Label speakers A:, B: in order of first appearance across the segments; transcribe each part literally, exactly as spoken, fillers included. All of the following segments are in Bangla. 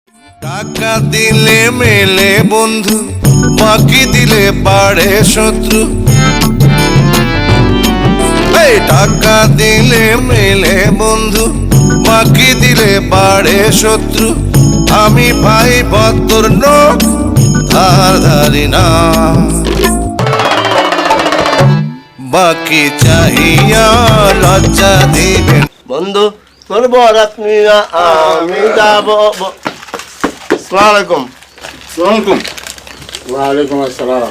A: টাকা দিলে মেলে বন্ধু, বাকি দিলে বাড়ে শত্রু। এই টাকা দিলে মেলে বন্ধু, বাকি দিলে বাড়ে শত্রু। আমি ভাই বদর নোক ধার ধারি না, বাকি চাহিয়া লজ্জা দিবেন।
B: বন্ধু তোর বরাত নিয়া আমি যাব। আসসালামু আলাইকুম।
C: আসসালামু ওয়ালাইকুম আসসালাম।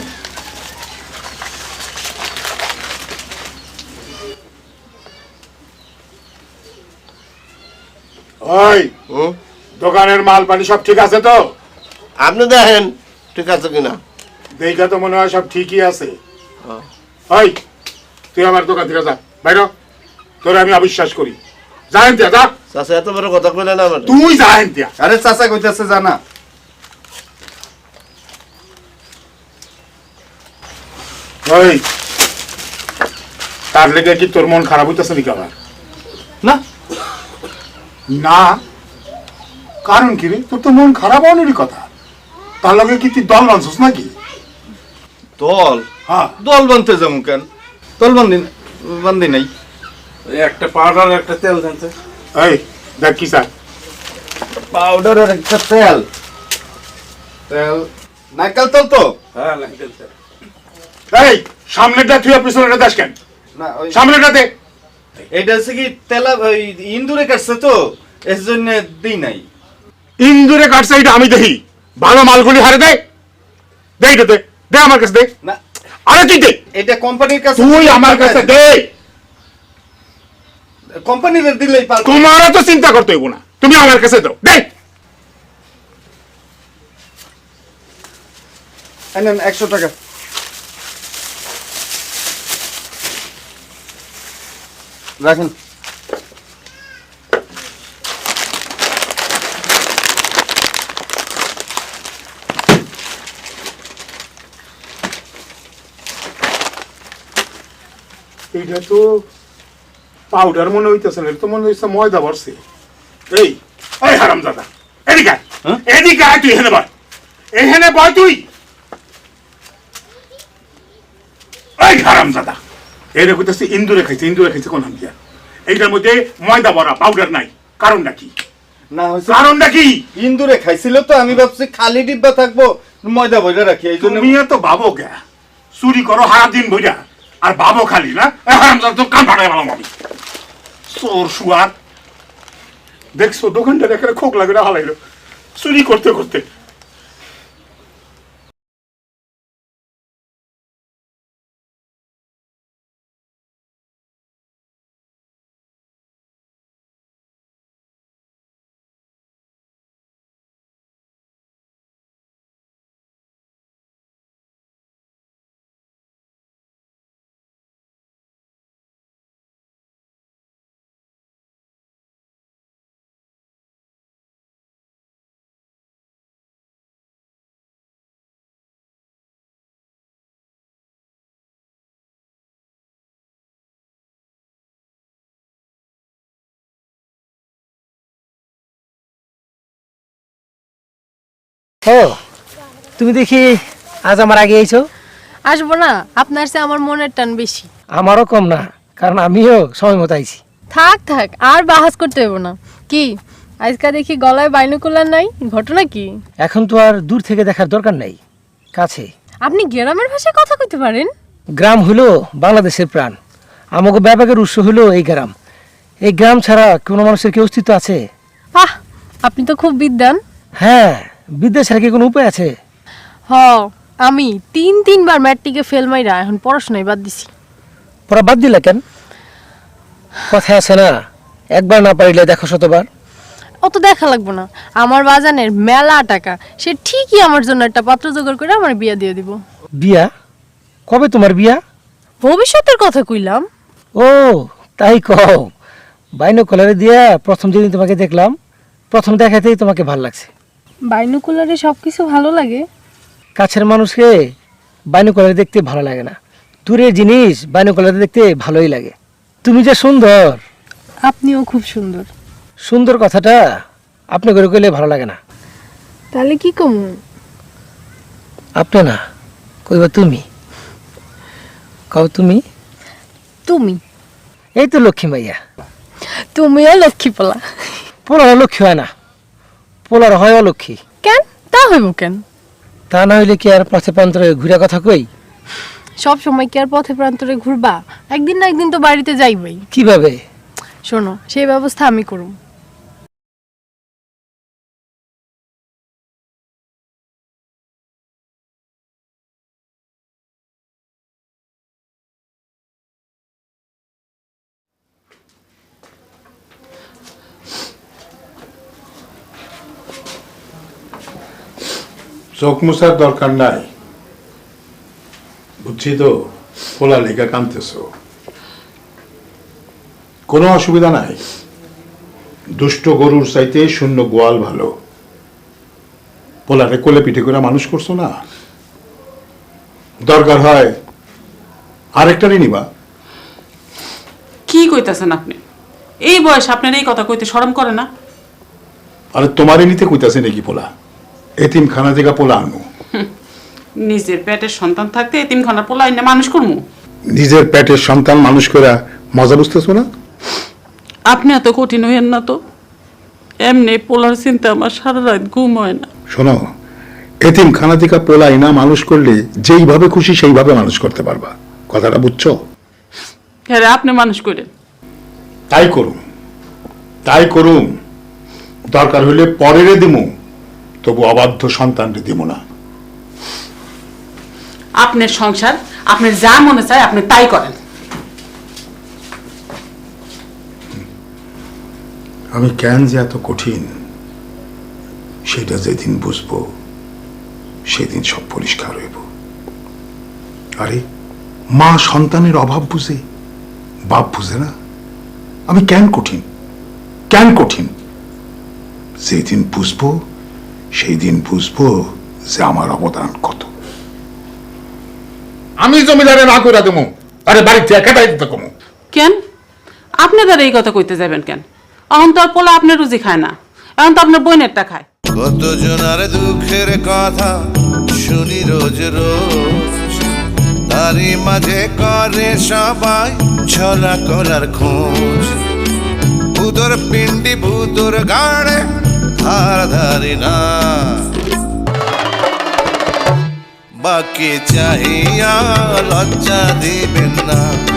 C: ওই দোকানের মাল পানি সব ঠিক আছে তো?
B: আপনি দেখেন ঠিক আছে কিনা।
C: দেখা তো মনে হয় সব ঠিকই আছে। ওই তুই আমার দোকান থেকে যা, বাইর। তোরে আমি অবিশ্বাস করি। জানেন তিয়া যা।
B: চাচা এত বড় কথা কইলে না আমার।
C: তুই জানেন তিয়া।
D: আরে চাচা কইতাছে জানা।
C: ওই তার লেগে কি তোর মন খারাপ হইতেছে নাকি আবার?
D: না
C: না কারণ কি রে? তোর তো মন খারাপ হওয়ারই কথা। তার লগে কি তুই দল বানছিস নাকি?
D: দল?
C: হ্যাঁ
D: দল বানতে যাবো কেন? দল বান্ধি বান্ধি নাই।
E: একটা পাউডার একটা তেল দেন তো।
C: এই দেখ কি স্যার,
D: পাউডার আর একটা তেল। তেল নারকেল তেল তো?
E: হ্যাঁ নারকেল তেল।
C: এই সামনেটা তুই পিছনেটা দাস কেন?
D: না ওই
C: সামনেটা দে।
D: এটা হচ্ছে কি তেলা ওই ইন্দুরে কাটছে তো এর জন্য দিই নাই।
C: ইন্দুরে কাটছে এটা আমি দেখি। ভালো মালগুলি হারে দে। দে এটা দে, দে আমার কাছে দে।
D: না
C: আরে তুই দে।
D: এটা কোম্পানির কাছে।
C: তুই আমার কাছে দে।
D: কোম্পানির দিলেই পারবো।
C: তোমারও তো চিন্তা করতে হইব না, তুমি আমার কাছে দাও। দে।
D: নেন একশো টাকা। রাখেন।
C: এইটা তো পাউডার মনে হইতেছে না, এটা তো মনে হইছে ময়দা ভরছে। এই এই হারামজাদা এদিকে আয়।
D: হ্যাঁ?
C: এদিকে আয়, তুই এখানে বয়। এখানে বয় তুই। এই হারামজাদা এর কইতেছে ইন্দুরে খাইছে। ইন্দুরে খাইছে কোন হামদিয়া? এইটার মধ্যে ময়দা ভরা, পাউডার নাই। কারণটা কি?
D: না হইছে
C: কারণটা কি?
D: ইন্দুরে খাইছিল তো আমি ভাবছি খালি ডিব্বা থাকবো ময়দা বইরা রাখি এই জন্য।
C: তুমি তো ভাবো কে চুরি করো সারা দিন বইরা আর ভাবো খালি না? এই হারামজাদা তো কান ফাটাই পেলাম আমি। চোর শুয়ার দেখছো দোকানটা রেখে খোক লাগে হালাইলো চুরি করতে করতে।
F: ও তুমি দেখি আজ আমার আগে আইছো।
G: আসবো না, আপনার চেয়ে আমার মনের টান বেশি।
F: আমারও কম না, কারণ আমিও সময় মতো আইছি।
G: থাক থাক আর বাহাস করতে হইব না। কি আজকা দেখি গলায় বাইনোকুলার নাই, ঘটনা কি?
F: এখন তো আর দূর থেকে দেখার দরকার নাই, কাছে।
G: আপনি গ্রামের ভাষায় কথা কইতে পারেন?
F: গ্রাম হলো বাংলাদেশের প্রাণ। আমাকে ব্যাপকের উৎস হলো এই গ্রাম। এই গ্রাম ছাড়া কোনো মানুষের কি অস্তিত্ব আছে?
G: আহ আপনি তো খুব বিদ্বান।
F: হ্যাঁ, বিদ্যা ছাড়া কি কোনো উপায় আছে?
G: হ আমি তিন তিনবার ম্যাট্রিকে ফেল মাইরা এখন পড়াশোনায় বাদ দিছি।
F: পড়া বাদ দিলা কেন? কথা আছে না, একবার না পারিলে দেখো শতবার।
G: অত দেখা লাগবো না, আমার বাজানের মেলা টাকা, সে ঠিকই আমার জন্য একটা পাত্র জোগাড় করে আমার বিয়া দিয়ে দিব।
F: বিয়া? কবে তোমার বিয়া?
G: ভবিষ্যতের কথা কইলাম।
F: ও তাই কও। বাইনো কলারে দিয়া প্রথম যেদিন তোমাকে দেখলাম, প্রথম দেখাতেই তোমাকে ভালো লাগছে।
G: বাইনোকুলারে সবকিছু ভালো লাগে?
F: কাছের মানুষকে বাইনোকুলারে দেখতে ভালো লাগে না, দূরের জিনিস বাইনোকুলারে দেখতে ভালোই লাগে। তুমি যে সুন্দর।
G: আপনিও খুব সুন্দর।
F: সুন্দর কথাটা আপনি করে কইলে ভালো লাগে না।
G: তাহলে কি কমু?
F: আপনি না, কইবা তুমি। কও তুমি।
G: তুমি
F: এই তো লক্ষ্মী মাইয়া।
G: তুমিও লক্ষ্মী পোলা।
F: পোলার লক্ষ্মী হয় না, পোলার হয় অলক্ষ্মী।
G: কেন তা হইব কেন?
F: তা না হইলে কি আর পথে প্রান্তরে ঘুরে কথা কই?
G: সব সময় কি আর পথে প্রান্তরে ঘুরবা? একদিন না একদিন তো বাড়িতে যাইবই।
F: কিভাবে?
G: শোনো, সেই ব্যবস্থা আমি করব।
C: চোখ মুছার দরকার নাই, বুঝছি তো। পোলা লেখা কানতেছ, কোনো অসুবিধা নাই। দুষ্ট গরুর চাইতে শূন্য গোয়াল ভালো। পোলারে কোলে পিঠে করে মানুষ করছো না, দরকার হয় আরেকটারই নিবা।
H: কি কইতাছেন আপনি? এই বয়স আপনার এই কথা কইতে শরম করে না?
C: আরে তোমারই নিতে কইতাছে নাকি পোলা? এতিমখানা থেকে পোলা আনু।
H: নিজের পেটের সন্তান থাকতে এতিমখানার পোলা এনে মানুষ করমু?
C: নিজের পেটের সন্তান মানুষ করে মজা বুঝতেছো না?
H: আপনি এত কঠিন হইয়েন না তো। এমনি পোলার চিন্তা আমার সারা রাত ঘুম হয় না।
C: শোনো, এতিমখানা থেকে পোলা ইনা মানুষ করলে যেইভাবে খুশি সেইভাবে মানুষ করতে পারবা, কথাটা বুঝছো?
H: হ্যাঁ, আপনি মানুষ করেন।
C: তাই করুম, তাই করুম। দরকার হইলে পরেরে দিমু, তবু অবাধ্য সন্তানরে দিব না।
H: আপনার সংসার, আপনার যা মনে চায় আপনি তাই করেন।
C: আমি কেন যে এত কঠিন সেটা যেদিন বুঝবো সেদিন সব পরিষ্কার হইব। আরে মা সন্তানের অভাব বুঝে, বাপ বুঝে না। আমি কেন কঠিন, কেন কঠিন? যেদিন বুঝবো সেই দিন বুঝবো যে আমার অবদান কত। আমি জমিদারে না করে দেবো, আরে বাড়িতে একাটাই দিতে কমো।
H: কেন আপনি তার এই কথা কইতে যাবেন কেন? এখন তো আর পোলা আপনার রুজি খায় না, এখন তো আপনার বোনেরটা খায়।
A: কত জনার দুঃখের কথা শুনি রোজ রোজ, তারই মাঝে করে সবাই ছলা কলার খোঁজ। ভূতর পিণ্ডি ভূতর গাড়ে ধার ধারি না, বাকি চাহিয়া লজ্জা দিবেন না।